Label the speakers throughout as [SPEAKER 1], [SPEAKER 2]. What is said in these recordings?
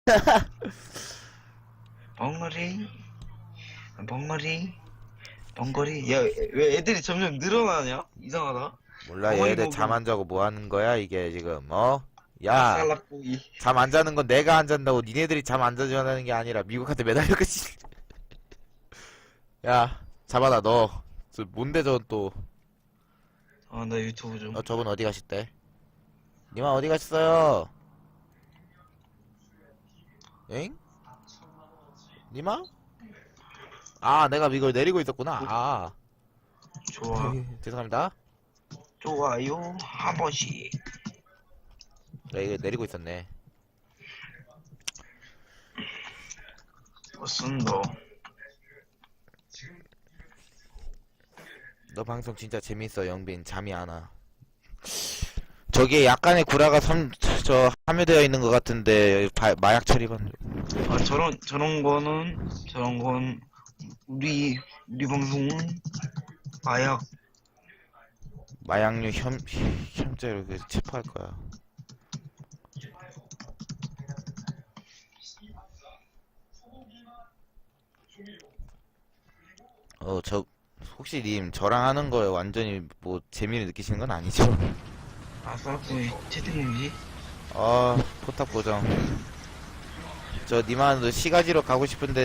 [SPEAKER 1] 벙어리 벙어리 벙거리. 야, 왜 애들이 점점 늘어나냐? 이상하다.
[SPEAKER 2] 몰라,
[SPEAKER 1] 어머니
[SPEAKER 2] 얘들
[SPEAKER 1] 보고
[SPEAKER 2] 잠 안 자고 뭐 하는 거야, 이게 지금, 어? 야,
[SPEAKER 1] 살락고기.
[SPEAKER 2] 잠 안 자는 건 내가 안 잔다고 니네들이 잠 안 자자는 게 아니라 미국한테 매달렸겠지. 야, 잡아라, 너. 뭔데, 저 또.
[SPEAKER 1] 아, 나 유튜브 좀.
[SPEAKER 2] 저분 어디 가셨대? 니마 어디 가셨어요? 엥? 니마? 아, 내가 이걸 내리고 있었구나. 아,
[SPEAKER 1] 좋아.
[SPEAKER 2] 죄송합니다.
[SPEAKER 1] 좋아요. 한 번씩.
[SPEAKER 2] 네, 이거 내리고 있었네.
[SPEAKER 1] 무슨 너.
[SPEAKER 2] 너 방송 진짜 재밌어, 영빈. 잠이 안 와. 저기에 약간의 구라가 함유되어 있는 것 같은데, 마약 처리반.
[SPEAKER 1] 아, 저런 건, 우리 방송은
[SPEAKER 2] 마약류 혐죄로 체포할 거야. 혹시 님, 저랑 하는 거에 완전히 뭐 재미를 느끼시는 건 아니죠?
[SPEAKER 1] 아싸꾸이 채팅이지?
[SPEAKER 2] 포탑 고정. 님한테 시가지로 가고 싶은데,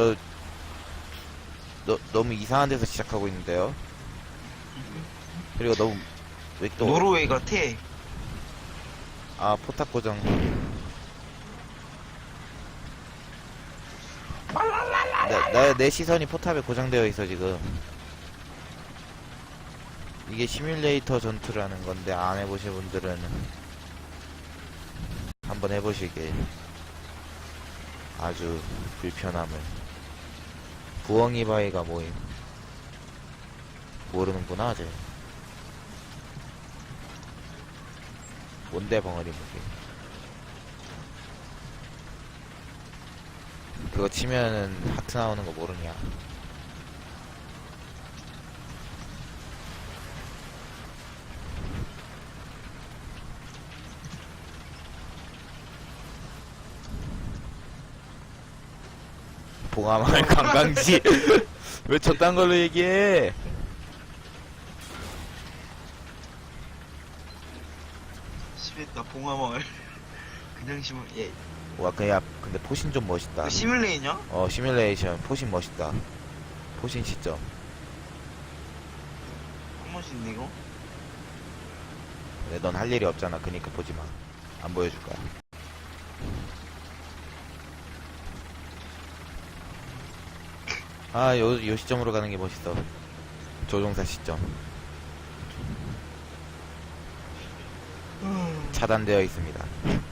[SPEAKER 2] 너무 이상한 데서 시작하고 있는데요? 그리고 너무, 왜 또,
[SPEAKER 1] 노르웨이 같아.
[SPEAKER 2] 포탑 고정. 내 시선이 포탑에 고정되어 있어, 지금. 이게 시뮬레이터 전투라는 건데, 안 해보신 분들은 한번 해보시길. 아주 불편함을. 부엉이 바위가 모임. 모르는구나, 아직. 뭔데, 벙어리 무기. 그거 치면은 하트 나오는 거 모르냐. 봉화마을 관광지. 왜 저딴 걸로 얘기해?
[SPEAKER 1] 시베타 봉화마을. 그냥 심을, 예.
[SPEAKER 2] 와, 그냥, 근데 포신 좀 멋있다.
[SPEAKER 1] 시뮬레이냐?
[SPEAKER 2] 시뮬레이션, 포신 멋있다. 포신 시점.
[SPEAKER 1] 한 번씩 있네, 이거?
[SPEAKER 2] 근데 넌 할 일이 없잖아. 그니까 보지 마. 안 보여줄 거야. 요 시점으로 가는 게 멋있어. 조종사 시점. 차단되어 있습니다.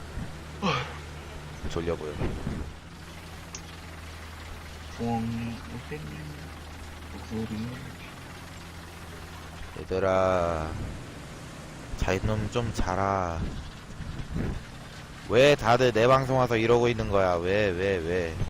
[SPEAKER 2] 졸려 보여. 얘들아, 자이놈 좀 자라. 왜 다들 내 방송 와서 이러고 있는 거야? 왜?